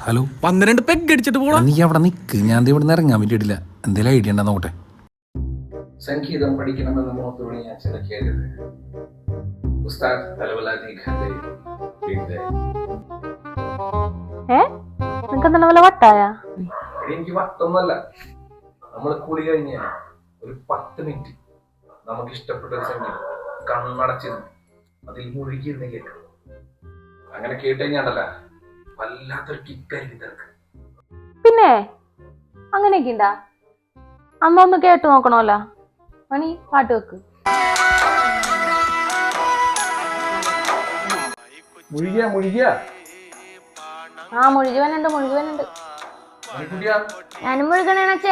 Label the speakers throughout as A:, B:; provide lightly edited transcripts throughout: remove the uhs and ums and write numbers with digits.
A: Hello
B: 12 peg അടിച്ചിട്ട് പോടാ.
A: നീ അവിടെ നിൽക്ക്, ഞാൻ ഇവിടെ നിന്ന് ഇറങ്ങാൻ വേണ്ടിയിട്ടില്ല. എന്തെങ്കിലും ഐഡിയ ഉണ്ടോ നോക്കട്ടെ.
C: സംഗീതം പഠിക്കണമെന്ന് മോത്തോട് ഞാൻ ചില കേട്ടത്. ഉസ്താദ് എനിക്ക് വട്ടൊന്നുമല്ല. നമ്മൾ കുളി കഴിഞ്ഞ ഒരു 10 മിനിറ്റ് നമുക്ക് ഇഷ്ടപ്പെട്ട ഒരു സംഗീതം കണ്ണടച്ചിരുന്നു അതിൽ മുഴുകിയിരുന്ന് കേൾക്കണം. അങ്ങനെ കേട്ടുകഴിഞ്ഞാണ്ടല്ല വല്ലാത്തൊരു കിക്കായിരിക്കും തിരക്ക്.
D: പിന്നെ അങ്ങനെയൊക്കെ ഉണ്ടാ? അമ്മ ഒന്ന് കേട്ടു നോക്കണമല്ലോ. മണി പാട്ട് വെക്ക്.
C: മുഴുകിയ
D: ആ മുഴുകുവനുണ്ട്. ഞാനും മുഴുകണേണച്ചേ.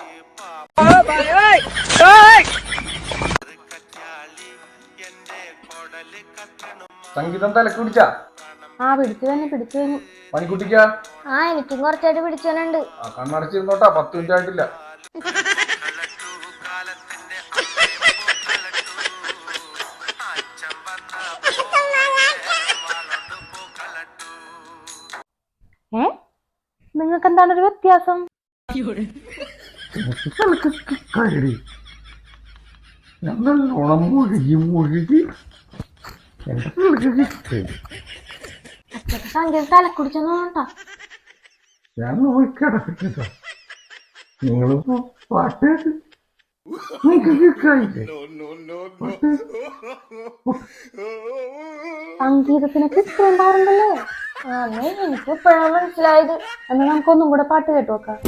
C: സംഗീതം തലക്ക് പിടിച്ച
D: ആ പിടിച്ചു തന്നെ.
C: പണിക്കുട്ടിക്കാ
D: ആ എനിക്കും കുറച്ചായിട്ട് പിടിച്ചവനുണ്ട്.
C: കണ്ണടച്ചിരുന്നോട്ടാ, 10 മിനിറ്റ് ആയിട്ടില്ല.
D: നിങ്ങൾക്ക് എന്താണ് ഒരു വ്യത്യാസം? സംഗീതം തലക്കുടിച്ചോട്ടാ.
C: ഞാൻ നോക്കിട നിങ്ങളിപ്പോ പാട്ട്
D: സംഗീതത്തിനൊക്കെ ഇത്ര ഉണ്ടാറുണ്ടല്ലേ? എനിക്ക് ഇപ്പോഴാണ് മനസ്സിലായത്. എന്നാ നമുക്കൊന്നും കൂടെ പാട്ട് കേട്ടു നോക്കാം.